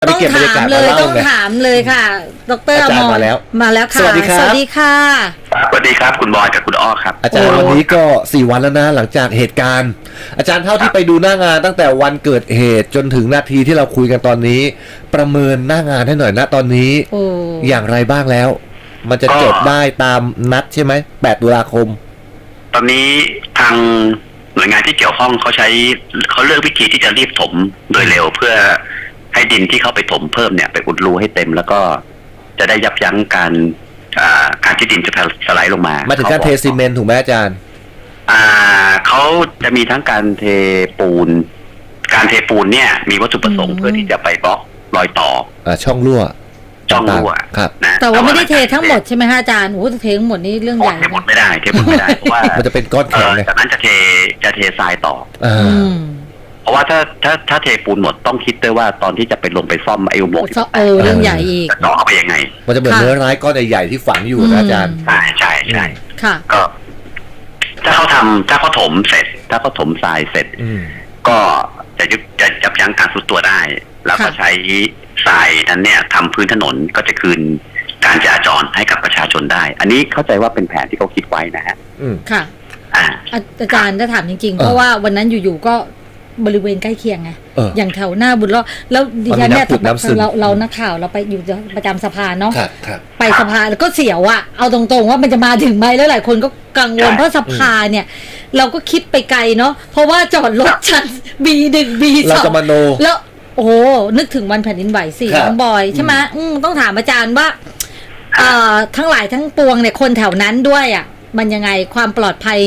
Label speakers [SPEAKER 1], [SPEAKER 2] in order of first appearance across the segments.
[SPEAKER 1] ต้องถามเลยต้องถามเลยค่ะดร.อมรมาแล้วค่ะสวัสดีค่ะสวัสดีค่ะ
[SPEAKER 2] สวัสดีครับคุณบอยกับคุณอ้อครับ
[SPEAKER 3] อาจารย์วันนี้ก็4 วันแล้วนะหลังจากเหตุการณ์อาจารย์เท่าที่ไปดูหน้างานตั้งแต่วันเกิดเหตุจนถึงนาทีที่เราคุยกันตอนนี้ประเมินหน้างานให้หน่อยนะตอนนี้อย่างไรบ้างแล้วมันจะจบได้ตามนัดใช่ไหม8 ตุลาคม
[SPEAKER 2] ตอนนี้ทางหน่วยงานที่เกี่ยวข้องเขาเลือกวิธีที่จะรีบถมโดยเร็วเพื่อให้ดินที่เข้าไปถมเพิ่มเนี่ยไปอุดรูให้เต็มแล้วก็จะได้ยับยั้งการที่ดินจะสไลด์ลงมา
[SPEAKER 3] ถึงการเทซีเมนต์ถูกไหมอาจารย์
[SPEAKER 2] เขาจะมีทั้งการเทปูนเนี่ยมีวัตถุประสงค์เพื่อที่จะไปบล็อกรอยต่อ
[SPEAKER 3] ช่องรั่ว
[SPEAKER 2] ครับ
[SPEAKER 1] นะแต่ว่าไม่ได้เททั้งหมดใช่ไหมฮะอาจารย์โอ้เททั้งหมดนี่เรื่องใหญ่
[SPEAKER 2] เทหมดไม่ได้เพราะว่า
[SPEAKER 3] มันจะเป็นก้อนแข็ง
[SPEAKER 2] จากนั้นจะเททรายต่อเพราะว่าถ้าเทปูนหมดต้องคิดด้วยว่าตอนที่จะไปลงไปซ่อมไอ้อุโมงค์
[SPEAKER 1] เรื่องใหญ่อีก
[SPEAKER 2] จะต่อเข้าไปยังไง
[SPEAKER 3] มันจะเหมือนเนื้อร้ายก้อนใหญ่ๆที่ฝังอยู่นะอาจารย์
[SPEAKER 2] ใช่
[SPEAKER 1] ค่ะ
[SPEAKER 2] ก็ถ้าเขาถมเสร็จถ้าเขาถมทรายเสร็จก็จะยับยั้งการทรุดตัวได้แล้วก็ใช้ทรายนั้นเนี่ยทำพื้นถนนก็จะคืนการจราจรให้กับประชาชนได้อันนี้เข้าใจว่าเป็นแผนที่เขาคิดไว้นะฮะ
[SPEAKER 1] ค่ะอาจารย์ถ้าถามจริงๆเพราะว่าวันนั้นอยู่ๆก็บริเวณใกล้เคียงไงอย่างแถวหน้าบุญรอดแล้วดิฉันเนี่ยเรานักข่าวเราไปอยู่ประจำสภาเนาะไปสภาแล้วก็เสียวอะเอาตรงๆว่ามันจะมาถึงไหมแล้วหลายคนก็กังวลเพราะสภาเนี่ยเราก็คิดไปไกลเนาะเพราะว่าจอดรถชั้น B1 B2
[SPEAKER 3] เราจะมโน
[SPEAKER 1] แล้วโอ้นึกถึงวันแผ่นดินไหวสิน้องบอยใช่ไหมต้องถามอาจารย์ว่าทั้งหลายทั้งปวงเนี่ยคนแถวนั้นด้วยอ่ะมันยังไงความปลอดภัย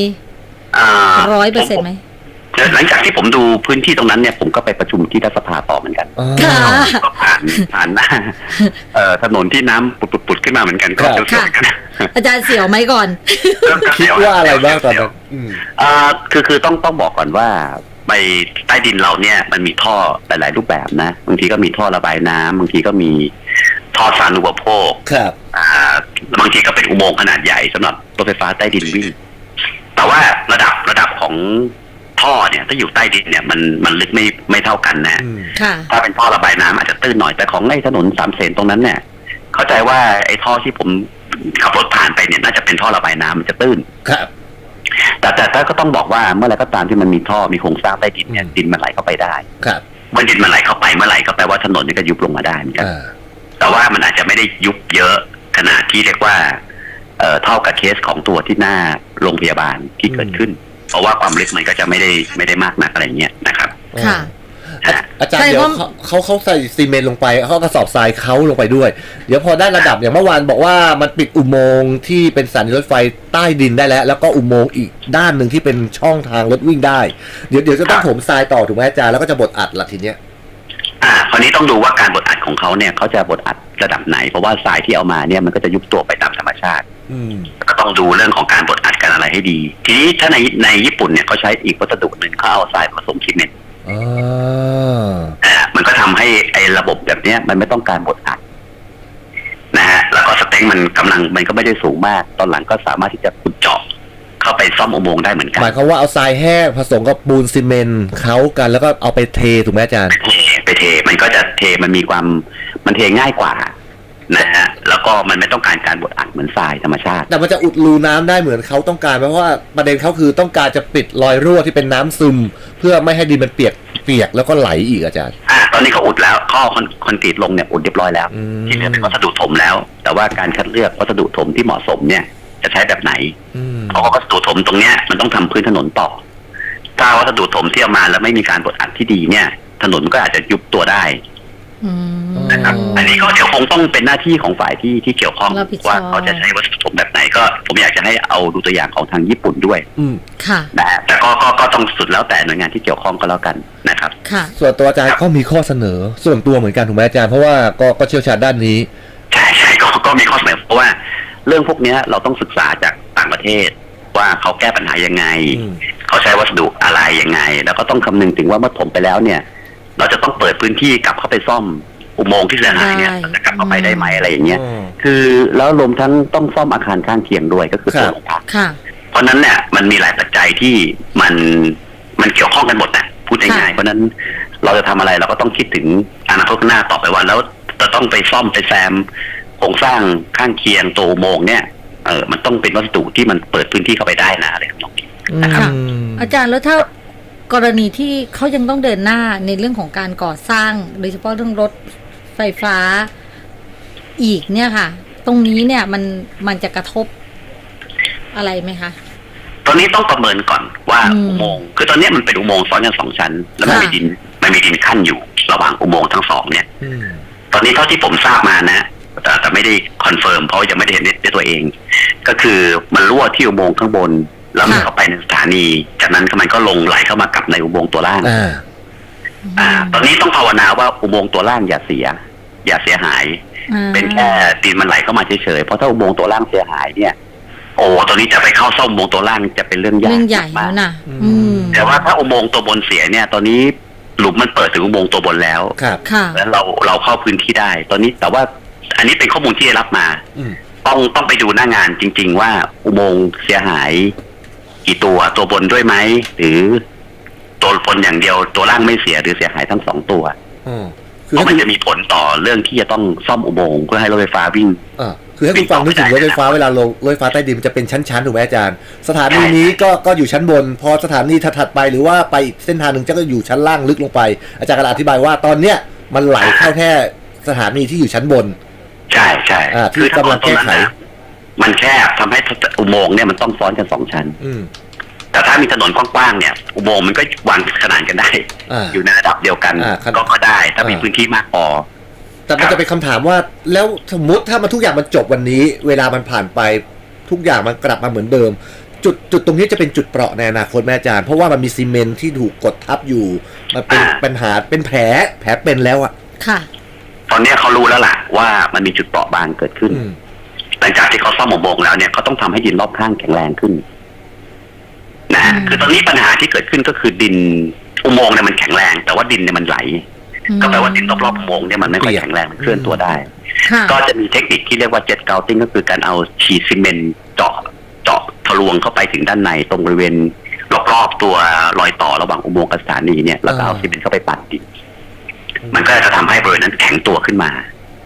[SPEAKER 1] 100%ไหม
[SPEAKER 2] หลังจากที่ผมดูพื้นที่ตรงนั้นเนี่ยผมก็ไปประชุมที่รัฐสภาต่อเหมือนกันก็ผ่านหน้าถนนที่น้ำปุดขึ้นมาเหมือนกันก็เสียวกัน
[SPEAKER 1] อาจารย์เสียวไหมก่อน
[SPEAKER 3] คิดว่าอะไรบ้างตอนนั้น
[SPEAKER 2] คือต้องบอกก่อนว่าไปใต้ดินเราเนี่ยมันมีท่อหลายๆรูปแบบนะบางทีก็มีท่อระบายน้ำบางทีก็มีท่อสาธารณูปโภค
[SPEAKER 3] ครับ
[SPEAKER 2] บางทีก็เป็นอุโมงค์ขนาดใหญ่สำหรับรถไฟฟ้าใต้ดินวิ่งแต่ว่าระดับของท่อเนี่ยถ้าอยู่ใต้ดินเนี่ยมันลึกไม่เท่ากันนะถ้าเป็นท่อระบายน้ำอาจจะตื้นหน่อยแต่ของไอ้ถนน3 เสนตรงนั้นเนี่ยเข้าใจว่าไอ้ท่อที่ผมขับรถผ่านไปเนี่ยน่าจะเป็นท่อระบายน้ำมันจะตื้น
[SPEAKER 3] ครับ
[SPEAKER 2] แต่ก็ต้องบอกว่าเมื่อไรก็ตามที่มันมีท่อมีโครงสร้างใต้ดินเนี่ยดินมันไหลเข้าไปได้
[SPEAKER 3] ครับ
[SPEAKER 2] เมื่อดินมันไหลเข้าไปเมื่อไหร่ก็แปลว่าถนนนี่ก็ยุบลงมาได้เหมือนกันแต่ว่ามันอาจจะไม่ได้ยุบเยอะขนาดที่เรียกว่าเท่ากับเคสของตัวที่หน้าโรงพยาบาลที่เกิดขึ้นเพราะว่าความลึกมันก็จะไม่ได้มากนักอะไรเงี้ยนะครับ
[SPEAKER 1] ค่ะ
[SPEAKER 3] อาจารย์เดี๋ยวเขาใส่ซีเมนต์ลงไปเขากระสอบทรายเขาลงไปด้วยเดี๋ยวพอได้ระดับอย่างเมื่อวานบอกว่ามันปิดอุโมงค์ที่เป็นสถานีรถไฟใต้ดินได้แล้วก็อุโมงค์อีกด้านหนึ่งที่เป็นช่องทางรถวิ่งได้เดี๋ยวจะต้องถมทรายต่อถูกไหมอาจารย์แล้วก็จะบดอัดละทีเนี้ย
[SPEAKER 2] คราวนี้ต้องดูว่าการบดอัดของเขาเนี่ยเขาจะบดอัดระดับไหนเพราะว่าทรายที่เอามาเนี่ยมันก็จะยุบตัวไปตามธรรมชาติก็ต้องดูเรื่องของการบดอัดกันอะไรให้ดีทีนี้ถ้าในญี่ปุ่นเนี่ยเขาใช้อีกวัสดุหนึ่งเขาเอาทรายผสมซีเมนต์มันก็ทำให้ไอ้ระบบแบบนี้มันไม่ต้องการบดอัดนะฮะแล้วก็สเต็งมันกำลังมันก็ไม่ได้สูงมากตอนหลังก็สามารถที่จะขุดเจาะเข้าไปซ่อมอุโมงค์ได้เหมือนกัน
[SPEAKER 3] หมายความว่าเอาทรายแห้งผสมกับปูนซีเมนต์เคล้ากันแล้วก็เอาไปเทถูกไหมอาจารย์
[SPEAKER 2] ไปเทมันก็จะเทมันมีความมันเทง่ายกว่านะฮะแล้วก็มันไม่ต้องการบดอัดเหมือนทรายธรรมชาติ
[SPEAKER 3] แต่มันจะอุดรูน้ำได้เหมือนเขาต้องการเพราะว่าประเด็นเขาคือต้องการจะปิดรอยรั่วที่เป็นน้ำซึมเพื่อไม่ให้ดินมันเปียกแล้วก็ไหลอีกอาจารย์
[SPEAKER 2] ตอนนี้เขาอุดแล้วข้อคอนกรีตลงเนี่ยอุดเรียบร้อยแล้วที่เหลือเป็นวัสดุถมแล้วแต่ว่าการคัดเลือกวัสดุถมที่เหมาะสมเนี่ยจะใช้แบบไหนเพราะว่าวัสดุถมตรงเนี้ยมันต้องทำพื้นถนนต่อถ้าวัสดุถมที่เอามาแล้วไม่มีการบดอัดที่ดีเนี่ยถนนก็อาจจะยุบตัวได้นะครับอันนี้ก็เดี๋ยวคงต้องเป็นหน้าที่ของฝ่ายที่เกี่ยวข้องว่าเขาจะใช้วัสดุถมแบบไหนก็ผมอยากจะให้เอาดูตัวอย่างของทางญี่ปุ่นด้วย
[SPEAKER 1] ค่ะ
[SPEAKER 2] นะแต่ก็ต้องสุดแล้วแต่หน่วยงานที่เกี่ยวข้องก็แล้วกันนะครับ
[SPEAKER 1] ค่ะ
[SPEAKER 3] ส่วนตัวอาจารย์ก็มีข้อเสนอส่วนตัวเหมือนกันถูกไหมอาจารย์เพราะว่าก็เชี่ยวชาญด้านนี้
[SPEAKER 2] ใช่ก็มีข้อเสนอเพราะว่าเรื่องพวกนี้เราต้องศึกษาจากต่างประเทศว่าเขาแก้ปัญหายังไงเขาใช้วัสดุอะไรยังไงแล้วก็ต้องคำนึงถึงว่าเมื่อถมไปแล้วเนี่ยเราจะต้องเปิดพื้นที่กลับเข้าไปซ่อมอุโมงค์ที่เสียหายเนี่ยจะกลับเข้าไปได้ไหมอะไรอย่างเงี้ยคือแล้วรวมทั้งต้องซ่อมอาคารข้างเคียงด้วยก็คือตัวโรงพักเพราะนั้นเนี่ยมันมีหลายปัจจัยที่มันเกี่ยวข้องกันหมดนะพูดง่ายๆเพราะนั้นเราจะทำอะไรเราก็ต้องคิดถึงอนานาคตข้างหน้าต่อไปว่าแล้วจะต้องไปซ่อมไปแซมโครงสร้างข้างเคียงตัวอุโมงค์เนี่ยมันต้องเป็นวัสดุที่มันเปิดพื้นที่เข้าไปได้นะอะไรแบบนี้นะครับ
[SPEAKER 1] อาจารย์แล้วถ้ากรณีที่เขายังต้องเดินหน้าในเรื่องของการก่อสร้างโดยเฉพาะเรื่องรถไฟฟ้าอีกเนี่ยค่ะตรงนี้เนี่ยมันจะกระทบอะไรไหมคะ
[SPEAKER 2] ตอนนี้ต้องประเมินก่อนว่าอุโมงค์คือตอนนี้มันเป็นอุโมงค์ซ้อนกัน2 ชั้นแล้วมันมีดินขั้นอยู่ระหว่างอุโมงค์ทั้ง2เนี่ยตอนนี้เท่าที่ผมทราบมานะแต่ไม่ได้คอนเฟิร์มเพราะยังไม่ได้เห็นด้วยตัวเองก็คือมันรั่วที่อุโมงค์ข้างบนแล้วมันเข้าไปในสถานีจากนั้นมันก็ลงไหลเข้ามากับในอุโมงค์ตัวล่างตอนนี้ต้องภาวนาว่าอุโมงค์ตัวล่างอย่าเสียหายเป็นแค่ดินมันไหลเข้ามาเฉยๆเพราะถ้าอุโมงค์ตัวล่างเสียหายเนี่ยโอ้ตอนนี้จะไปเข้าซ่อมอุโมงค์ตัวล่างจะเป็นเรื่องยาก
[SPEAKER 1] ใหญ่แล้วนะ
[SPEAKER 2] แต่ว่าถ้าอุโมงค์ตัวบนเสียเนี่ยตอนนี้หลุมมันเปิดถึงอุโมงค์ตัวบนแล้วแล้วเราเข้าพื้นที่ได้ตอนนี้แต่ว่าอันนี้เป็นข้อมูลที่ได้รับมาต้องไปดูหน้างานจริงๆว่าอุโมงค์เสียหายกี่ตัวบนด้วยไหมหรือตัวบนอย่างเดียวตัวล่างไม่เสียหรือเสียหายทั้ง2ตัวเพราะมันจะมีผลต่อเรื่องที่จะต้องซ่อมอุโมงค์เพื่อให้รถไฟฟ้าวิ่ง
[SPEAKER 3] คือให้คุณฟังนึกถึงรถไฟฟ้าเวลาลงรถไฟฟ้าใต้ดินมันจะเป็นชั้นๆถูกไหมอาจารย์สถานีนี้ก็อยู่ชั้นบนพอสถานีถัดไปหรือว่าไปเส้นทางหนึ่งจะก็อยู่ชั้นล่างลึกลงไปอาจารย์กำลังอธิบายว่าตอนเนี้ยมันไหลเข้าแค่สถานีที่อยู่ชั้นบน
[SPEAKER 2] ใช่
[SPEAKER 3] ที่กำลังแก้ไข
[SPEAKER 2] มันแคบทำให้อุโมงค์เนี่ยมันต้องซ้อนกัน2 ชั้นแต่ถ้ามีถนนกว้างๆเนี่ยอุโมงค์มันก็วางขนานกันได้อยู่ในระดับเดียวกันก็ได้ถ้ามีพื้นที่มากพอ
[SPEAKER 3] แต่มันจะเป็นคำถามว่าแล้วสมมติถ้ามันทุกอย่างมันจบวันนี้เวลามันผ่านไปทุกอย่างมันกลับมาเหมือนเดิมจุดตรงนี้จะเป็นจุดเปราะในอนาคตแม่อาจารย์เพราะว่ามันมีซีเมนต์ที่ถูกกดทับอยู่มันเป็นปัญหาเป็นแผลเป็นแล้วอ่ะ
[SPEAKER 1] ค่ะ
[SPEAKER 2] ตอนนี้เขารู้แล้วล่ะว่ามันมีจุดเปราะบางเกิดขึ้นหลังจากที่เขาซ่อมอุโมงค์แล้วเนี่ยเขาต้องทำให้ดินรอบข้างแข็งแรงขึ้นนะคือตอนนี้ปัญหาที่เกิดขึ้นก็คือดินอุโมงค์เนี่ยมันแข็งแรงแต่ว่าดินเนี่ยมันไหลก็แปลว่าดินรอบๆอุโมงค์เนี่ยมันไม่ค่อยแข็งแรงมันเคลื่อนตัวได้ก็จะมีเทคนิคที่เรียกว่าเจ็ตเกาติ้งก็คือการเอาฉีดซีเมนต์เจาะทะลวงเข้าไปถึงด้านในตรงบริเวณรอบๆตัวรอยต่อระหว่างอุโมงค์กับสถานีเนี่ยแล้วก็เอาซีเมนต์เข้าไปปั่นดินมันก็จะทำให้บริเวณนั้นแข็งตัวขึ้นมา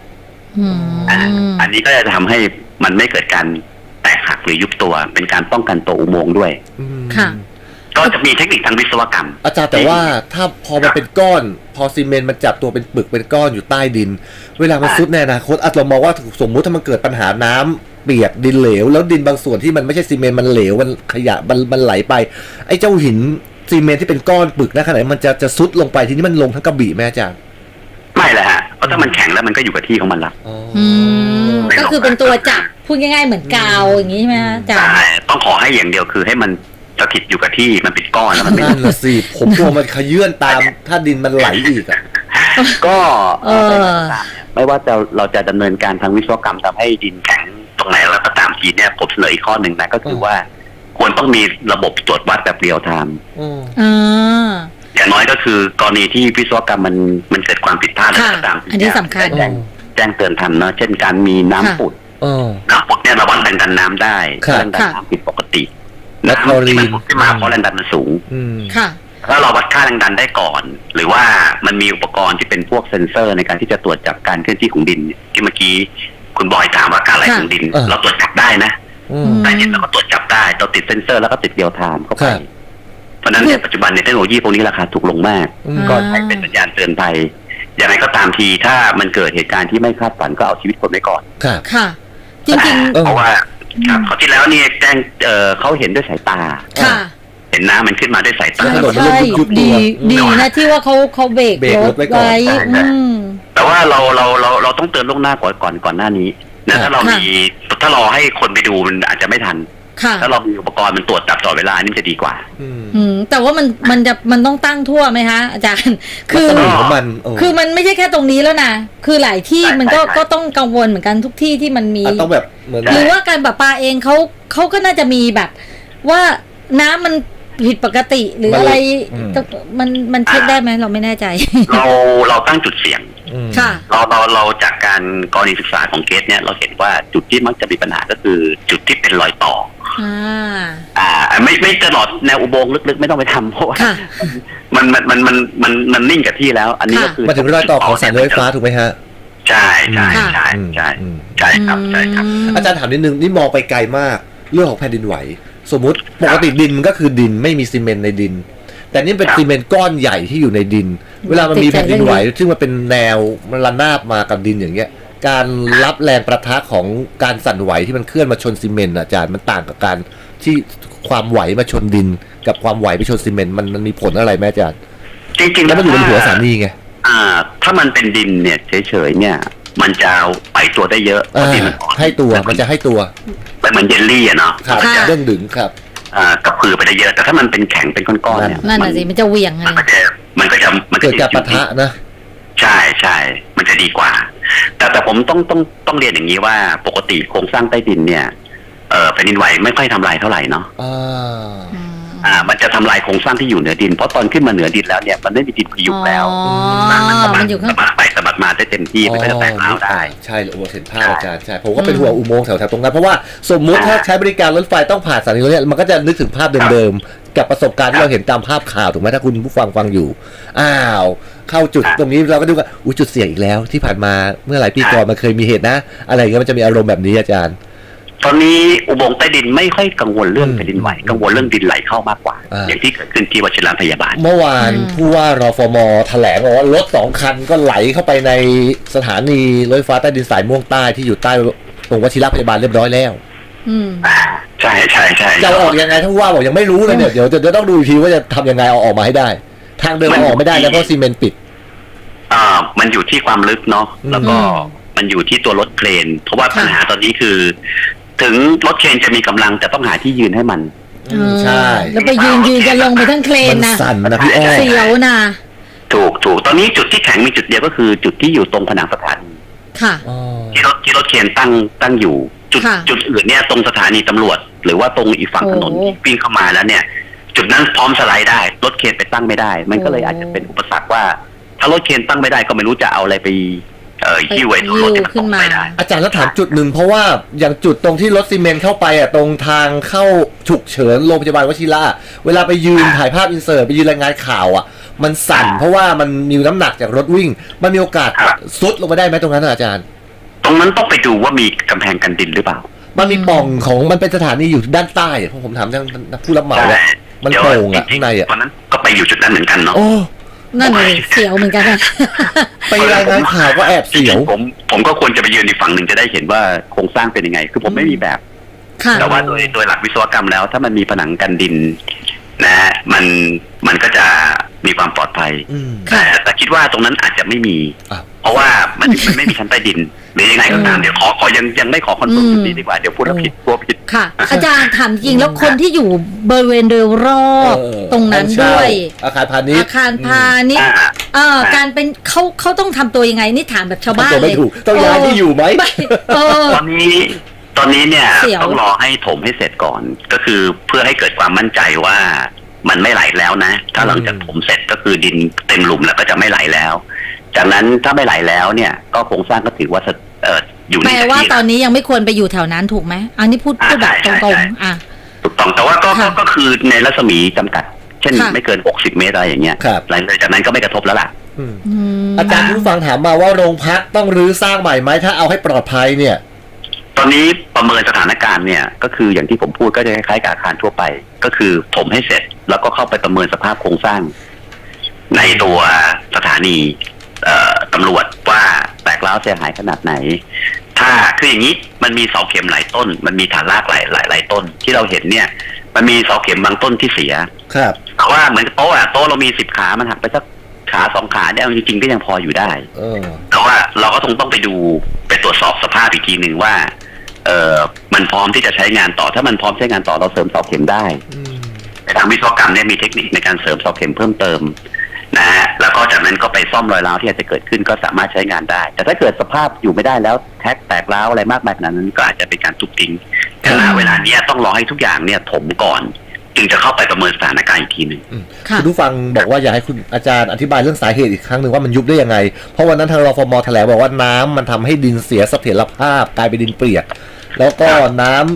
[SPEAKER 2] อันนี้ก็จะทำให้มันไม่เกิดการแตกหักหรือยุบตัวเป็นการป้องกันตัวอุโมงค์ด้วย
[SPEAKER 1] ค่ะ
[SPEAKER 2] ก็จะมีเทคนิคทางวิศวกรรม
[SPEAKER 3] อาจารย์แต่ว่าถ้าพอมันเป็นก้อนพอซีเมนต์มันจับตัวเป็นปึกเป็นก้อนอยู่ใต้ดินเวลามันซุดในอนาคตเรามองว่าสมมุติถ้ามันเกิดปัญหาน้ำเปียกดินเหลวแล้วดินบางส่วนที่มันไม่ใช่ซีเมนต์มันเหลวมันขยะมันไหลไปไอ้เจ้าหินซีเมนต์ที่เป็นก้อนปึกนะขนาดมันจะซุดลงไปทีนี้มันลงทั้งกระบี่แม่อาจารย์
[SPEAKER 2] ไม่แหละฮะเพราะถ้ามันแข็งแล้วมันก็อยู่กับที่ของมันละ
[SPEAKER 1] ก็คือเป็นตัวจับพูดง่ายๆเหมือนกาวอย่างนี้ใช่ไหมอาจารย์
[SPEAKER 2] ต้องขอให้อย่างเดียวคือให้มันสถิตอยู่กับที่มันเป็นก้อนแล้วมันไม่
[SPEAKER 3] นั่นน่ะสิผมกลัวมันขยื่นตามถ้าดินมันไหลอีกอ่ะ
[SPEAKER 2] ก็ไม่ว่าเราจะดำเนินการทางวิศวกรรมทำให้ดินแข็งตรงไหนแล้วก็ตามทีเนี่ยผมเสนออีกข้อหนึ่งนะก็คือว่าควรต้องมีระบบตรวจวัดแบบเรียลไทม์อย่างน้อยก็คือกรณีที่วิศวกรรมมันเกิดความผิดพลาดอะไรก็ตาม
[SPEAKER 1] อันนี้สำคัญ
[SPEAKER 2] แจ้งเตือนทันเนาะเช่นการมีน้ำปุดเนี่ยระวังแรงดันน้ำได้แรงดันน้ำผิดปกติ
[SPEAKER 3] และคลอรีน
[SPEAKER 2] ที่มาเพราะแรงดันมันสูงถ้าเราวัดค่าแรงดันได้ก่อนหรือว่ามันมีอุปกรณ์ที่เป็นพวกเซ็นเซอร์ในการที่จะตรวจจับการเคลื่อนที่ของดินที่เมื่อกี้คุณบอยถามว่าการไหลของดินเราตรวจจับได้นะใต้ดินเราก็ตรวจจับได้เราติดเซ็นเซอร์แล้วก็ติดเรียลไทม์เข้าไปเพราะนั้นในปัจจุบันในเทคโนโลยีพวกนี้ราคาถูกลงมากก็ใช้เป็นสัญญาณเตือนภัยอย่างไรก็ตามทีถ้ามันเกิดเหตุการณ์ที่ไม่คาดฝันก็เอาชีวิตคนไว้ก่อน
[SPEAKER 1] ค่ะจริงๆ
[SPEAKER 2] เพราะว่าครับเขาที่แล้วนี่แจ้งเขาเห็นด้วยสายตาเห็นน้ำมันขึ้นมาด้วยสายตา
[SPEAKER 1] ใช่ดีนะที่ว่าเขาเบรกรถไว้
[SPEAKER 2] แต่ว่าเราต้องเตือนล่วงหน้าก่อนหน้านี้นะถ้าเราให้คนไปดูมันอาจจะไม่ทันถ้าเรามีอุปกรณ์มันตรวจจับตลอดเวลานี่จะดีกว่า
[SPEAKER 1] แต่ว่ามันต้องตั้งทั่วไหมคะอาจารย์คือมันไม่ใช่แค่ตรงนี้แล้วนะคือหลายที่มันก็ต้องกังวลเหมือนกันทุกที่ที่มันมี
[SPEAKER 3] ต้องแบบ
[SPEAKER 1] หรือว่าการประปาเองเขาก็น่าจะมีแบบว่าน้ำมันผิดปกติหรืออะไรมันเช็คได้ไหมเราไม่แน่ใจ
[SPEAKER 2] เราตั้งจุดเสี่ยง
[SPEAKER 1] ค่ะ
[SPEAKER 2] เราจากการกรณีศึกษาของเคสเนี่ยเราเห็นว่าจุดที่มักจะมีปัญหาก็คือจุดที่เป็นรอยต่อไม่ตลอดแนวอุโมงค์ลึกๆไม่ต้องไปทำเพราะว่ามันนิ่งกับที่แล้ว อันนี้ก็คือ
[SPEAKER 3] มาถึงรอยต่อของสายรถไฟฟ้าถูกไหมฮะ
[SPEAKER 2] ใช่ครับ
[SPEAKER 3] อาจารย์ถามนิดนึงนี่มองไปไกลมากเรื่องของแผ่นดินไหวสมมุติปกติดินมันก็คือดินไม่มีซีเมนต์ในดินแต่นี่เป็นซีเมนต์ก้อนใหญ่ที่อยู่ในดินเวลามันมีแผ่นดินไหวซึ่งมันเป็นแนวมันระนาบมากับดินอย่างเงี้ยการรับแรงประทะของการสั่นไหวที่มันเคลื่อนมาชนซีเมนต์อาจารย์มันต่างกับการที่ความไหวมาชนดินกับความไหวไปชนซีเมนต์มันมีผลอะไรไหมอาจารย์
[SPEAKER 2] จริงๆ
[SPEAKER 3] แล้วมันอยู่บนหัวสถานีไง
[SPEAKER 2] ถ้ามันเป็นดินเนี่ยเฉยๆเนี่ยมันจะไปตัวได้เยอะ
[SPEAKER 3] ดินมันให้ตัวมันจะให้ตัว
[SPEAKER 2] แต่มันเยลลี่อะเนาะ
[SPEAKER 3] ครับเรื่องดึงครับ
[SPEAKER 2] กับพือไปได้เยอะแต่ถ้ามันเป็นแข็งเป็นก้อนๆเนี่ย
[SPEAKER 1] นั่นน่ะสิมันจะเหวี่ยง
[SPEAKER 2] มันก็จะ
[SPEAKER 3] เกิดการปะทะนะ
[SPEAKER 2] ใช่มันจะดีกว่าแต่ผมต้องเรียนอย่างนี้ว่าปกติโครงสร้างใต้ดินเนี่ยแผ่นดินไหวไม่ค่อยทำลายเท่าไหร่เนาะมันจะทำลายโครงสร้างที่อยู่เหนือดินเพราะตอนขึ้นมาเหนือดินแล้วเนี่ยมันไม่มีดินพยุงแล้วมันอยู่ข้างสะบัดไปสะบัดมาได้เต็มที่มันก็จะแตกร้าวได้
[SPEAKER 3] ใช่อุโมงค์เห็นภาพอาจารย์ใช่ผมก็เป็นห่วงอุโมงค์แถวๆตรงนั้นเพราะว่าสมมุติถ้าใช้บริการรถไฟต้องผ่านสถานีนี้มันก็จะนึกถึงภาพเดิมๆกับประสบการณ์ที่เราเห็นตามภาพข่าวถูกไหมถ้าคุณผู้ฟังอยู่เข้าจุดตรงนี้เราก็ดูว่าจุดเสี่ยงอีกแล้วที่ผ่านมาเมื่อหลายปีก่อนมันเคยมีเหตุนะอะไรเงี้ยมันจะมีอารมณ์แบบนี้อาจารย์
[SPEAKER 2] ตอนนี้อุโมงค์ใต้ดินไม่ค่อยกังวลเรื่องแผ่นดินไหวกังวลเรื่องดินไหลเข้ามากกว่าอย่างที่เกิดขึ้นที่วชิรพยาบาล
[SPEAKER 3] เมื่อวานผู้ว่ารฟม.แถลงว่ารถ2 คันก็ไหลเข้าไปในสถานีรถไฟฟ้าใต้ดินสายม่วงใต้ที่อยู่ใต้ตรงวชิรพยาบาลเรียบร้อยแล้ว
[SPEAKER 2] ใช่
[SPEAKER 3] จะออกยังไงถ้าผู้ว่าบอกยังไม่รู้เลยเนี่ยเดี๋ยวต้องดูอีกทีว่าจะทำยังไงเอาออกมาให้ได้ทางเดินออกไม่ได้แล้วเพราะซีเมนต์ปิด
[SPEAKER 2] มันอยู่ที่ความลึกเนาะแล้วก็มันอยู่ที่ตัวรถเครนเพราะว่าปัญหาตอนนี้คือถึงรถเครนจะมีกำลังแต่ต้องหาที่ยืนให้มัน
[SPEAKER 3] ใช่
[SPEAKER 1] แล้วไปยืนจะลงไปทั้งเครนนะ
[SPEAKER 3] สั่นนะพี่อ้อ
[SPEAKER 1] เสียวนะ
[SPEAKER 2] ถูกตอนนี้จุดที่แข็งมีจุดเดียวก็คือจุดที่อยู่ตรงผนังสถานี
[SPEAKER 1] ค่ะ
[SPEAKER 2] ที่รถเครนตั้งอยู่จุดอื่นเนี่ยตรงสถานีตำรวจหรือว่าตรงอีกฝั่งถนนวิ่งเข้ามาแล้วเนี่ยจุดนั้นพร้อมสไลด์ได้รถเครนไปตั้งไม่ได้มันก็เลยอาจจะเป็นอุปสรรคว่าถ้ารถเครนตั้งไม่ได้ก็ไม่รู้จะเอาอะไรไปที่ไว้รถที่มันตกไม่ได้
[SPEAKER 3] อาจารย์แล้วถามจุดหนึ่งเพราะว่าอย่างจุดตรงที่รถซีเมนต์เข้าไปตรงทางเข้าฉุกเฉินโรงพยาบาลวชิระเวลาไปยืนถ่ายภาพอินเสิร์ตไปยืนรายงานข่าวมันสั่นเพราะว่ามันมีน้ำหนักจากรถวิ่งมันมีโอกาสซุดลงมาได้ไหมตรงนั้นอาจารย์
[SPEAKER 2] ตรงนั้นต้องไปดูว่ามีกำแพงกันดินหรือเปล่า
[SPEAKER 3] มันมีปล่องของมันเป็นสถานีอยู่ด้านใต้ผมถามทางผู้รับเหมามันโป่งข้างใน
[SPEAKER 2] ตอนนั้นก็ไปอยู่จุดนั้นเหมือนกันเนาะ
[SPEAKER 1] นั่นเลยเสียวเหมือนกันนะ
[SPEAKER 3] ไปรายงานข่าวก็แอบเสียว
[SPEAKER 2] ผมก็ควรจะไปยืนอีกฝั่งหนึ่งจะได้เห็นว่าโครงสร้างเป็นยังไงคือผมไม่มีแบบแต่ว่าโดยหลักวิศวกรรมแล้วถ้ามันมีผนังกันดินนะมันก็จะมีความปลอดภัยแต่คิดว่าตรงนั้นอาจจะไม่มีเพราะว่ามันไม่มีชั้นใต้ดินหรือยังไงก็ตามเดี๋ยวขอยังไม่ขอคอนเฟิร์มจุดนี้ดีกว่าเดี๋ยวพูดผิดกลัวผิด
[SPEAKER 1] ค่ะอาจารย์ถามจริงแล้วคนที่อยู่บริเวณโดยรอบตรงนั้นด้วย
[SPEAKER 3] อาคารพาณิชย์
[SPEAKER 1] การเป็นเขาต้องทำตัวยังไงนี่ถามแบบชาวบ้านเลย
[SPEAKER 3] ต้องย้ายที่อยู่ไหม
[SPEAKER 2] ตอนนี้เนี่ยต้องรอให้ถมให้เสร็จก่อนก็คือเพื่อให้เกิดความมั่นใจว่ามันไม่ไหลแล้วนะถ้าหลังจากถมเสร็จก็คือดินเต็มหลุมแล้วก็จะไม่ไหลแล้วจากนั้นถ้าไม่ไหลแล้วเนี่ยก็โครงสร้างก็ถือว่าอยู่ใน
[SPEAKER 1] แปลว่าตอนนี้ยังไม่ควรไปอยู่แถวนั้นถูกไหมอันนี้พูดแบบตรง
[SPEAKER 2] ๆถูกต้องแต่ว่าก็คือในรัศมีจำกัดเช่นไม่เกิน60 เมตรอะไรอย่างเงี้ยหลังจากนั้นก็ไม่กระทบแล้วล่ะ
[SPEAKER 3] อาจารย์ผู้ฟังถามมาว่าโรงพักต้องรื้อสร้างใหม่ไหมถ้าเอาให้ปลอดภัยเนี่ย
[SPEAKER 2] ตอนนี้ประเมินสถานการณ์เนี่ยก็คืออย่างที่ผมพูดก็จะคล้ายๆกับอาคารทั่วไปก็คือถมให้เสร็จแล้วก็เข้าไปประเมินสภาพโครงสร้างในตัวสถานีตำรวจว่าแตกร้าวเสียหายขนาดไหนถ้าคืออย่างนี้มันมีเสาเข็มหลายต้นมันมีฐานรากหลายต้นที่เราเห็นเนี่ยมันมีเสาเข็มบางต้นที่เสีย
[SPEAKER 3] ครับ
[SPEAKER 2] แต่ว่าเหมือนโต๊ะเรามี10 ขามันหักไปสักขา2 ขาเนี่ยจริงๆก็ยังพออยู่ได้แต่ว่าเราก็ต้องไปดูไปตรวจสอบสภาพอีกทีหนึ่งว่ามันพร้อมที่จะใช้งานต่อถ้ามันพร้อมใช้งานต่อเราเสริมเสาเข็มได้ในทางวิศวกรรมเนี่ยมีเทคนิคในการเสริมเสาเข็มเพิ่มเติมนะฮะแล้วก็จากนั้นก็ไปซ่อมรอยร้าวที่อาจจะเกิดขึ้นก็สามารถใช้งานได้แต่ถ้าเกิดสภาพอยู่ไม่ได้แล้วแตกร้าวอะไรมากมายขนาดนั้นก็อาจจะเป็นการทุบทิ้งแต่เวลานี้ต้องรอให้ทุกอย่างเนี่ยถมก่อนจึงจะเข้าไปประเมินสถานการณ์อีกทีหนึ่ง
[SPEAKER 3] คุณผู้ฟังบอกว่าอยากให้คุณอาจารย์อธิบายเรื่องสาเหตุอีกครั้งหนึ่งว่ามันยุบได้ยังไงเพราะวันนั้นทางรฟม.แถลงบอกว่าน้ำมันทำให้ดินเสียเสถียรภาพกลายเป็นดินเปียกแล้วก็น้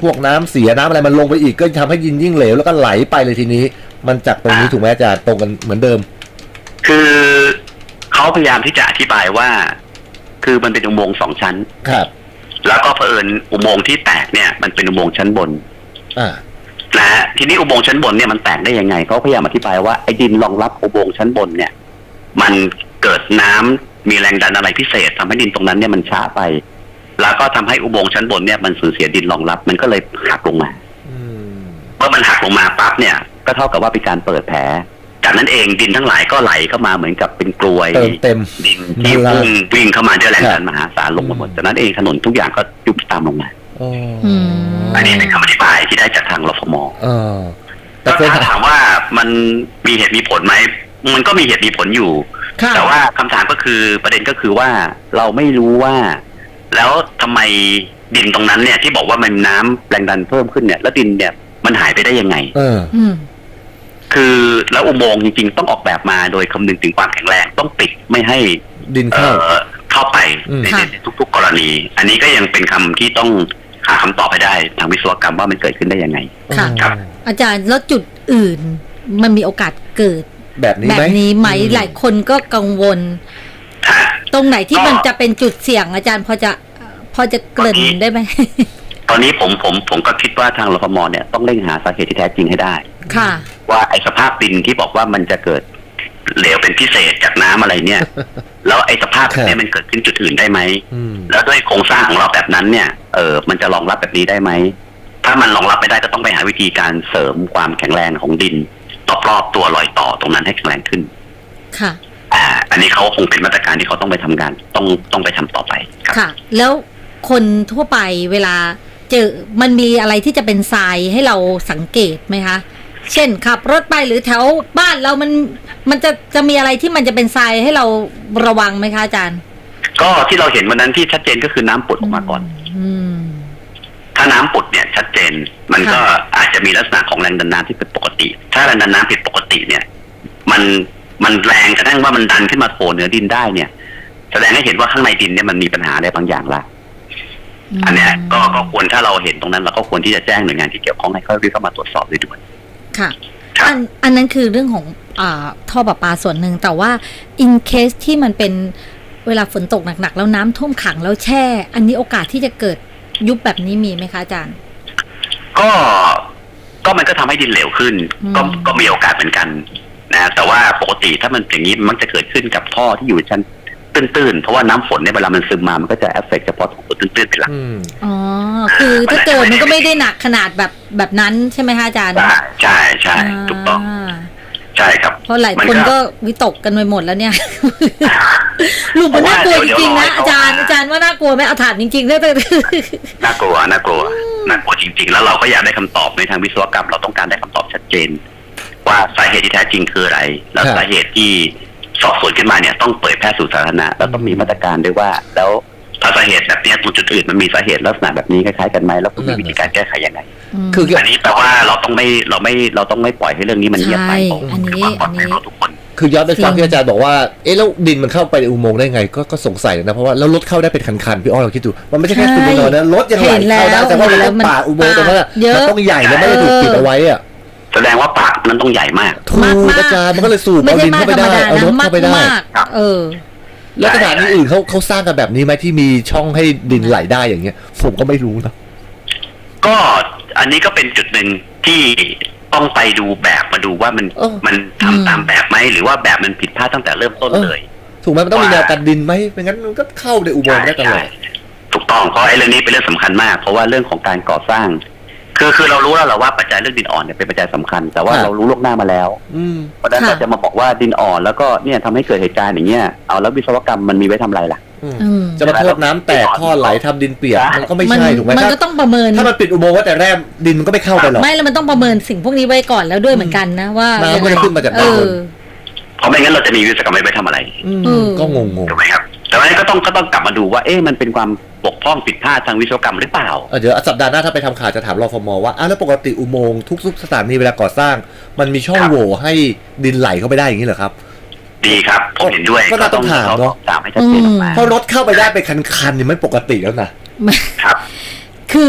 [SPEAKER 3] พวกน้ำเสียน้ำอะไรมันลงไปอีกก็ทำให้ดินยิ่งเหลวแล้วก็ไหลไปเลยทีนี้มันจากตรงนี้ถูกไหมอาจารย์ตรงกันเหมือนเดิม
[SPEAKER 2] คือเขาพยายามที่จะอธิบายว่าคือมันเป็นอุโมงค์2 ชั้น
[SPEAKER 3] ครับ
[SPEAKER 2] แล้วก็เผอิญอุโมงค์ที่แตกเนี่ยมันเป็นอุโมงค์ชั้นบนนะฮะทีนี้อุโมงค์ชั้นบนเนี่ยมันแตกได้ยังไงเขาพยายามอธิบายว่าไอ้ดินรองรับอุโมงค์ชั้นบนเนี่ยมันเกิดน้ำมีแรงดันอะไรพิเศษทำให้ดินตรงนั้นเนี่ยมันช้าไปแล้วก็ทำให้อุโมงค์ชั้นบนเนี่ยมันสูญเสียดินรองรับมันก็เลยหักลงมาเมื่อมันหักลงมาปั๊บเนี่ยก็เท่ากับว่าเป็นการเปิดแผลจากนั้นเองดินทั้งหลายก็ไหลเข้ามาเหมือนกับเป็นกลวย
[SPEAKER 3] เต็ม
[SPEAKER 2] ดินที่วิ่งเข้ามาด้วยแรงดันมหาศาลลงมาหมดจากนั้นเองถนนทุกอย่างก็ยุบตามลงมาอันนี้เป็นคำอธิบายที่ได้จากทางรฟม.แต่ถ้าถามว่ามันมีเหตุมีผลไหมมันก็มีเหตุมีผลอยู่แต่ว่าคำถามก็คือประเด็นก็คือว่าเราไม่รู้ว่าแล้วทำไมดินตรงนั้นเนี่ยที่บอกว่ามันน้ำแรงดันเพิ่มขึ้นเนี่ยแล้วดินเนี่ยมันหายไปได้ยังไงคือแล้วอุโมงค์จริงๆต้องออกแบบมาโดยคำนึงถึงความแข็งแรงต้องปิดไม่ให้
[SPEAKER 3] ดิน
[SPEAKER 2] เข้าไปในทุกๆกรณีอันนี้ก็ยังเป็นคำที่ต้องหาคำตอบให้ได้ทางวิศวกรรมว่ามันเกิดขึ้นได้ยังไง
[SPEAKER 1] ครับอาจารย์แล้วจุดอื่นมันมีโอกาสเกิด
[SPEAKER 3] แบบนี้
[SPEAKER 1] ไหมหลายคนก็กังวลตรงไหนที่มันจะเป็นจุดเสี่ยงอาจารย์พอจะเกริ่นได้ไหม
[SPEAKER 2] ตอนนี้ผมก็คิดว่าทางรฟม.เนี่ยต้องเร่งหาสาเหตุที่แท้จริงให้ได้
[SPEAKER 1] ค่ะ
[SPEAKER 2] ว่าไอ้สภาพดินที่บอกว่ามันจะเกิดเหลวเป็นพิเศษจากน้ำอะไรเนี่ยแล้วไอ้สภาพแบบนี้มันเกิดขึ้นจุดอื่นได้ไหมแล้วด้วยโครงสร้างของเราแบบนั้นเนี่ยมันจะรองรับแบบนี้ได้ไหมถ้ามันรองรับไม่ได้ก็ต้องไปหาวิธีการเสริมความแข็งแรงของดินรอบๆตัวรอยต่อตรงนั้นให้แข็งแรงขึ้น
[SPEAKER 1] ค่ะ
[SPEAKER 2] อันนี้เขาคงเป็นมาตรการที่เขาต้องไปทำงานต้องไปทำต่อไป
[SPEAKER 1] ค่ะแล้วคนทั่วไปเวลาเจอมันมีอะไรที่จะเป็นทรายให้เราสังเกตไหมคะเช่นขับรถไปหรือแถวบ้านเรามันจะมีอะไรที่มันจะเป็นทรายให้เราระวังไหมคะอาจารย์
[SPEAKER 2] ก็ที่เราเห็นวันนั้นที่ชัดเจนก็คือน้ำปุดออกมาก่อนถ้าน้ำปุดเนี่ยชัดเจนมันก็อาจจะมีลักษณะของแรงดันน้ำที่เป็นปกติถ้าแรงดันน้ำผิดปกติเนี่ยมันแรงกระทั่งว่ามันดันขึ้นมาโผล่เหนือดินได้เนี่ยแสดงให้เห็นว่าข้างในดินเนี่ยมันมีปัญหาอะไรบางอย่างละอันเนี้ยก็ควรถ้าเราเห็นตรงนั้นเราก็ควรที่จะแจ้งหน่วยงานที่เกี่ยวข้องให้เขาเข้ามาตรวจสอบด้วย
[SPEAKER 1] ค่ะอันนั้นคือเรื่องของท่อประปาส่วนหนึ่งแต่ว่า in case ที่มันเป็นเวลาฝนตกหนักๆแล้วน้ำท่วมขังแล้วแช่อันนี้โอกาสที่จะเกิดยุบแบบนี้มีไหมคะอาจารย์
[SPEAKER 2] ก็มันก็ทำให้ดินเหลวขึ้นก็มีโอกาสเหมือนกันนะแต่ว่าปกติถ้ามันอย่างนี้มักจะเกิดขึ้นกับท่อที่อยู่ชั้นตื้นๆเพราะว่าน้ำฝนเนี่ยเวลามันซึมมามันก็จะเอฟเฟกต์เฉพาะตรงตัวตื้นๆเป็นหลัก
[SPEAKER 1] คือถ้าเกิดมันก็ไม่ได้หนักขนาดแบบนั้นใช่ไหมคะอาจารย์
[SPEAKER 2] ใช่ถูกต้องใช่ครับ
[SPEAKER 1] เพราะหลายคนก็วิตกกันไปหมดแล้วเนี่ยลุงมันน่ากลัวจริงๆนะอาจารย์ว่าน่ากลัวไหมเอาถามจริงๆได้เลย
[SPEAKER 2] น่ากลัวจริงๆแล้วเราก็อยากได้คำตอบในทางวิศวกรรมเราต้องการได้คำตอบชัดเจนว่าสาเหตุที่แท้จริงคืออะไรแล้วสาเหตุที่สอบสวนขึ้นมาเนี่ยต้องเผยแพร่สู่สาธารณะแล้วต้องมีมาตรการด้วยว่าแล้วถ้าสาเหตุแบบนี้จุดอื่นมันมีสาเหตุลักษณะแบบนี้คล้ายๆกันไหมแล้วมีวิธีการแก้ไขยังไงคืออันนี้แปลว่าเราต้องไม่ปล่อยให้เรื่องนี้มันเงียบไป
[SPEAKER 1] อันนี้
[SPEAKER 2] ทุกคน
[SPEAKER 3] คือย้อนไปฟังที่อาจารย์บอกว่าแล้วดินมันเข้าไปในอุโมงค์ได้ไงก็สงสัยนะเพราะว่าแล้วรถเข้าได้เป็นคันๆพี่อ้อเราคิดดูมันไม่ใช่แค่คุณนอนนะรถยังไหลเข้าได้แต่ว่ามันป่าอุโมงค์ตรงนั้นมันต้องใหญ่แล้วไม่ได้ถูกปิดเอาไว้อะ
[SPEAKER 2] แสดงว่าปากนั้นต้องใหญ่มาก
[SPEAKER 3] ถูกอาจารย์มันก็เลยสูบเอาดินเข้าไปได้เอารถเข้าไปได้แล้วสถานที่อื่นเขาสร้างกันแบบนี้ไหมที่มีช่องให้ดินไหลได้อย่างเงี้ยผมก็ไม่รู้นะ
[SPEAKER 2] ก็อันนี้ก็เป็นจุดหนึ่งที่ต้องไปดูแบบมาดูว่ามันทำตามแบบไหมหรือว่าแบบมันผิดพลาดตั้งแต่เริ่มต้นเลย
[SPEAKER 3] ถูกไหมมันต้องมีแนวกันดินไหมไม่งั้นมันก็เข้าในอุโมงค์ได้ตลอด
[SPEAKER 2] ถูกต้องเพราะไอ้เรื่องนี้เป็นเรื่องสำคัญมากเพราะว่าเรื่องของการก่อสร้างคือเรารู้แล้วแหละว่าปัจจัยเรื่องดินอ่อนเนี่ยเป็นปัจจัยสำคัญแต่ว่าเรารู้ล่วงหน้ามาแล้วเพราะฉะนั้นเราจะมาบอกว่าดินอ่อนแล้วก็เนี่ยทำให้เกิดเหตุการณ์อย่างเงี้ยเอาแล้ววิศวกรรมมันมีไว้ทำอะไรล่ะ
[SPEAKER 3] จะมาโทษน้ำแตกท่อไหลทำดินเปียกมันก็ไม่ใช่ถูกไหม
[SPEAKER 1] มันก็ต้องประเมิน
[SPEAKER 3] ถ้ามันปิดอุโมงค์ว่าแต่แรกดินมันก็ไม่เข้าไปหรอก
[SPEAKER 1] ไม่แล้วมันต้องประเมินสิ่งพวกนี้ไว้ก่อนแล้วด้วยเหมือนกันนะว่า
[SPEAKER 3] น้ำมันขึ้นมาจากด้านบน
[SPEAKER 2] เพราะไม่งั้นเราจะมีวิศวกรรมไว้ทำอะไร
[SPEAKER 3] ก็งง
[SPEAKER 2] ถูกไหมครับแต่ว่าก็ต้องกลับมาดูว่ามันเป็นความบกพร่องผิดพลาดทางวิศวกรรมหรือเปล่า
[SPEAKER 3] เดี๋ยวสัปดาห์หน้าถ้าไปทำข่าวจะถามรฟม.ว่าแล้วปกติอุโมงค์ทุกสถานีเวลาก่อสร้างมันมีช่องโหว่ให้ดินไหลเข้าไปได้อย่างนี้เหรอครับ
[SPEAKER 2] ดีครับผมเห็นด้วย
[SPEAKER 3] ก็ต้องถามเนาะ
[SPEAKER 2] ถามให้ชัดเจนออกมา
[SPEAKER 3] เพราะรถเข้าไปได้เป็นคันๆนี่ไม่ปกติแล้วนะครับ
[SPEAKER 1] คือ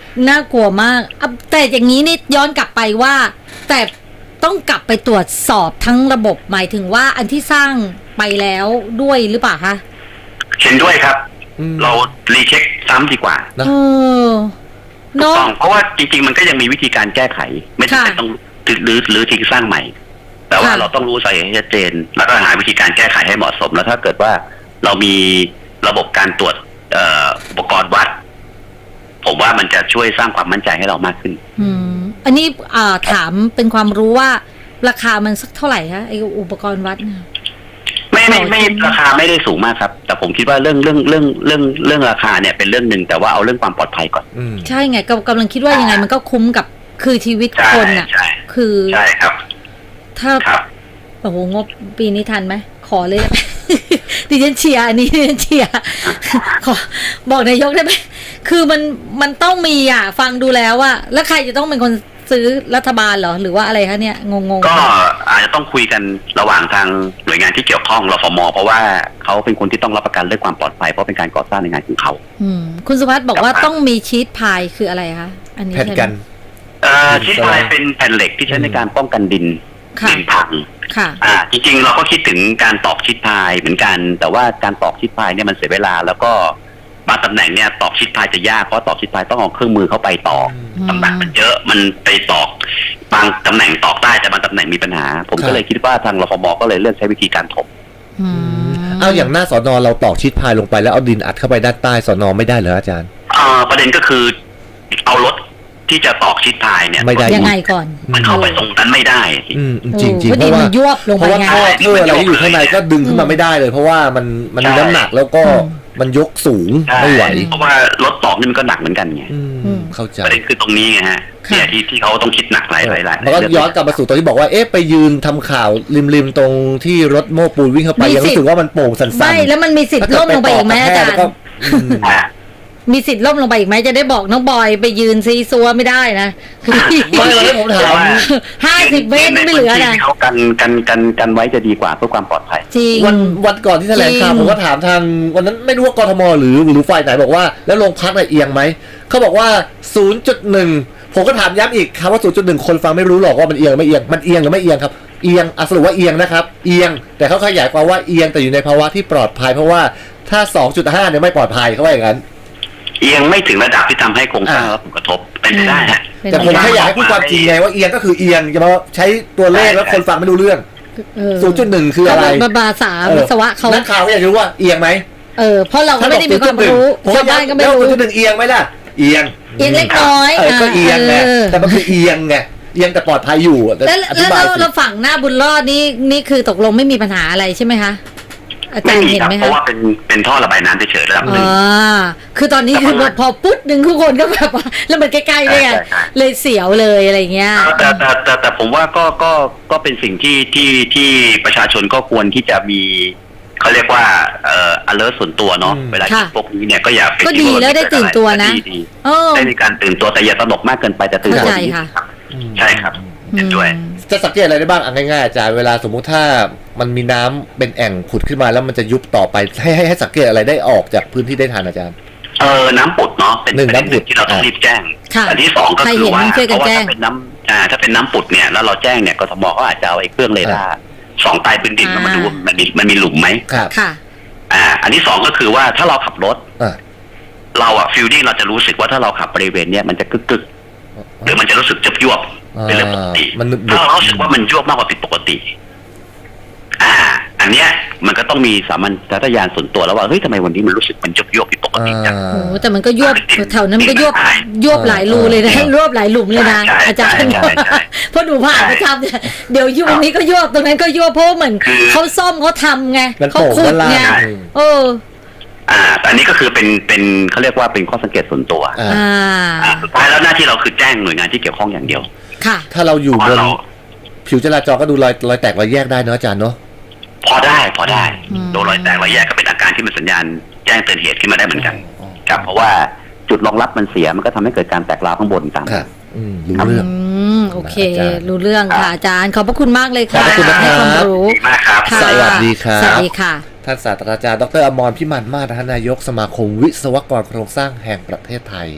[SPEAKER 1] น่ากลัวมากแต่อย่างนี้นี่ย้อนกลับไปว่า แต่ต้องกลับไปตรวจสอบทั้งระบบหมายถึงว่าอันที่สร้างไปแล้วด้วยหรือเปล่าคะ
[SPEAKER 2] เห็นด้วยครับเรารีเช็คซ้ำดีกว่า
[SPEAKER 1] เออ
[SPEAKER 2] เนาะเพราะว่าจริงๆมันก็ยังมีวิธีการแก้ไขไม่จำเป็นต้องหรือทิ้งสร้างใหม่แต่ว่าเราต้องรู้สาเหตุให้ชัดเจนแล้วก็หาวิธีการแก้ไขให้เหมาะสมแล้วถ้าเกิดว่าเรามีระบบการตรวจอุปกรณ์วัดผมว่ามันจะช่วยสร้างความมั่นใจให้เรามากขึ้น
[SPEAKER 1] อันนี้ถามเป็นความรู้ว่าราคามันสักเท่าไหร่คะไออุปกรณ์วัดเนี่ย
[SPEAKER 2] ไม่ราคาไม่ได้สูงมากครับแต่ผมคิดว่าเรื่องราคาเนี่ยเป็นเรื่องหนึ่งแต่ว่าเอาเรื่องความปลอดภัยก่อน
[SPEAKER 1] ใช่ไงกำลังคิดว่ายังไงมันก็คุ้มกับคือชีวิตคนอ่ะคือ
[SPEAKER 2] ใช่ครับ
[SPEAKER 1] ถ้าโอ้โหงบปีนี้ทันไหมขอเลยดิฉันเชียร์อันนี้ดิฉันเชียร์ขอบอกนายกได้ไหมคือมันต้องมีอ่ะฟังดูแล้วว่าแล้วใครจะต้องเป็นคนซื้อรัฐบาลเหรอหรือว่าอะไรคะเนี่ยงง
[SPEAKER 2] ก็อาจจะต้องคุยกันระหว่างทางหน่วยงานที่เกี่ยวข้องรฟม.เพราะว่าเขาเป็นคนที่ต้องรับประกันเรื่องความปลอดภัยเพราะเป็นการก่อสร้างในงานของเขา
[SPEAKER 1] คุณสุภัสบอกว่าต้องมีชีทพายคืออะไรคะอันนี้
[SPEAKER 3] แผ่นกัน
[SPEAKER 2] ชีทพายเป็นแผ่นเหล็กที่ใช้ในการป้องกันดินพังจริงๆเราก็คิดถึงการตอกชีทพายเหมือนกันแต่ว่าการตอกชีทพายเนี่ยมันเสียเวลาแล้วก็บางตำแหน่งเนี่ยตอกชีทพายจะยากเพราะตอกชีทพายต้องเอาเครื่องมือเข้าไปตอกตำแหน่งมันเยอะมันไปตอกบางตำแหน่งตอกได้แต่บางตำแหน่งมีปัญหาผมก็เลยคิดว่าทางรฟม.ก็เลยเลือกใช้วิธีการถม
[SPEAKER 3] เอาอย่างหน้าสน.เราตอกชีทพายลงไปแล้วเอาดินอัดเข้าไปด้านใต้สน.ไม่ได้เหรออาจารย์
[SPEAKER 2] ประเด็นก็คือเอารถที่จะตอกชีทพายเนี่ย
[SPEAKER 3] ไม่ได้
[SPEAKER 1] ยังไงก่อน
[SPEAKER 2] มันเข้าไปตรงนั้นไม่ได้
[SPEAKER 3] จริงเพราะว่าเพราะว่าท่ออะไรที่อยู่ข้างในก็ดึงขึ้นมาไม่ได้เลยเพราะว่ามันมีน้ำหนักแล้วก็มันยกสูงไม่ไหว
[SPEAKER 2] เพราะว่ารถตอกนี่มันก็หนักเหมือนกันไง
[SPEAKER 3] เข้าใจ
[SPEAKER 2] ประเด็นคือตรงนี้ไงฮะเนี่ยที่เขาต้องคิดหนักหลาย
[SPEAKER 3] แล้วก็ย้อนกลับมาสู่ตอนที่บอกว่าไปยืนทำข่าวริมตรงที่รถโม้ปูนวิ่งเข้าไปยังรู้สึกว่ามันโป่งสั่นๆ
[SPEAKER 1] ไม่แล้วมันมีสิทธิ์ล่มลงไปอีกไหมอาจารย์มีสิทธิ์ล่มลงไปอีกไหมจะได้บอกน้องบอยไปยืนซีซัวไม่ได้นะ
[SPEAKER 3] ไม่เลยผมถาม
[SPEAKER 1] 50 เมตรไม่เหลือนะ
[SPEAKER 2] เขากันไว้จะดีกว่าเพื่อความปลอดภัย
[SPEAKER 1] จริง
[SPEAKER 3] วันก่อนที่แถลงข่าวผมก็ถามทางวันนั้นไม่รู้ว่ากทมหรือฝ่ายไหนบอกว่าแล้วโรงพักเอียงไหมเขาบอกว่า 0.1 ผมก็ถามย้ำอีกครับว่า 0.1 คนฟังไม่รู้หรอกว่ามันเอียงไม่เอียงมันเอียงหรือไม่เอียงครับเอียงสรุปว่าเอียงนะครับเอียงแต่เขาขยายความว่าเอียงแต่อยู่ในภาวะที่ปลอดภัยเพราะว่าถ้า 2.5 เนี่ยไม่ปลอดภัยเขาว่าอย่างนั้น
[SPEAKER 2] เอียงไม่ถึงระดับที่ทำให้โครงสร้างรับผลกระทบเป็นไปได้ฮะ
[SPEAKER 3] แต่ผมแค่อยากให้พูดความจริงไงว่าเอียงก็คือเอียงอย่ามาใช้ตัวเลขแล้วคนฟังไม่รู้เรื่อง 0.1 คืออะไร
[SPEAKER 1] ภาษาวิศวะเขา
[SPEAKER 3] นักข่าวอยากรู้ว่าเอียงไหม
[SPEAKER 1] เพราะเราก็ไม่ได้มีความรู้ชาวบ้านก็ไม่รู้
[SPEAKER 3] 0.1 เอียงไหมล่ะเอียง
[SPEAKER 1] เล็กน้อย
[SPEAKER 3] ก็เอียงไงแต่มันคือเอียงไงเอียงแต่ปลอดภัยอยู่
[SPEAKER 1] แล้วเราฝั่งหน้าบุญรอดนี่คือตกลงไม่มีปัญหาอะไรใช่ไหมคะอาจารย์เห็นไหมคะ
[SPEAKER 2] เพราะว่าเป็นท่อระบายน้ำเฉยๆระดับนึง
[SPEAKER 1] คือตอนนี้คือพอปุ๊บหนึ่งทุกคนก็แบบว่าแล้วมันใกล้ๆเลยเสียวเลยอะไรเงี้ย
[SPEAKER 2] แต่ผมว่าก็เป็นสิ่งที่ประชาชนก็ควรที่จะมีเขาเรียกว่าalert ส่วนตัวเนาะเวลาที่พวกนี้เนี่ยก็อย่า
[SPEAKER 1] ก็ดีแล้วได้ตื่นตัวนะ
[SPEAKER 2] ได้มีการตื่นตัวแต่อย่าตระหนกมากเกินไปแต่ตื่นตัวใช่ครับด้วย
[SPEAKER 3] จะสังเกตอะไรได้บ้างง่ายๆอาจารย์เวลาสมมุติถ้ามันมีน้ำเป็นแอ่งผุดขึ้นมาแล้วมันจะยุบต่อไปให้สังเกตอะไรได้ออกจากพื้นที่ได้ทันอาจารย์
[SPEAKER 2] น้ำผุดเนาะเป็นน้ำผุดที่เราต้องรีบแจ้งอันที่2ก็คือว่าเพราะว่าถ้าเป็นน้ำผุดเนี่ยแล้วเราแจ้งเนี่ยกทม.ก็อาจจะเอาไอ้เครื่องเรดาร์ส่องใต้พื้นดินมาดูมันมีหลุมไหม
[SPEAKER 3] ค่ะ
[SPEAKER 2] อันที่2ก็คือว่าถ้าเราขับรถเราฟิลลิ่งเราจะรู้สึกว่าถ้าเราขับบริเวณเนี้ยมันจะกึกหรือมันจะรู้สึกจะยวบเป็นเรื่องปกติถ้าเรารู้สึกว่ามันยวบมากกว่าผิดปกติอันเนี้ยมันก็ต้องมีสามัญชาตญาณส่วนตัวแล้วว่าเฮ้ยทำไมวันนี้มันรู้สึกมันยวบผิดปกติจัง
[SPEAKER 1] โอ้แต่มันก็ยวบแถวนั้นมันก็ยวบหลายรูเลยนะยวบหลายหลุมเลยนะอาจารย์เพราะดูผ่านประจำเนี่ยเดี๋ยวยุคนี้ก็ยวบตรงนั้นก็ยวบเพราะเหมือนเขาซ่อมเขาทำไงเขาขุดไง
[SPEAKER 2] อันนี้ก็คือเป็นเขาเรียกว่าเป็นข้อสังเกตส่วนตัวสุดท้ายแล้วหน้าที่เราคือแจ้งหน่วยงานที่เกี่ยวข้องอย่างเดียว
[SPEAKER 1] ค่ะ
[SPEAKER 3] ถ้าเราอยู่บนผิวจราจรก็ดูรอยแตกรอยแยกได้เนอะอาจารย์เนาะ
[SPEAKER 2] พอได้โดนรอยแตกรอยแยกก็เป็นอาการที่มันสัญญาณแจ้งเตือนเหตุขึ้นมาได้เหมือนกันครับเพราะว่าจุดรองรับมันเสียมันก็ทำให้เกิดการแตกร้าวข้างบนตาม
[SPEAKER 3] รู้เรื่อง
[SPEAKER 1] โอเครู้เรื่องค่ะอาจารย์ขอบพระคุณมากเลยค่ะ
[SPEAKER 3] ขอบคุณนะครับ
[SPEAKER 1] ให้ความรู้
[SPEAKER 2] มากครับ
[SPEAKER 3] สวัสดีครับ
[SPEAKER 1] สวัสดีค่ะ
[SPEAKER 3] ท่านศาสตราจารย์ดร.อมรพิมานมาศนายกสมาคมวิศวกรโครงสร้างแห่งประเทศไทย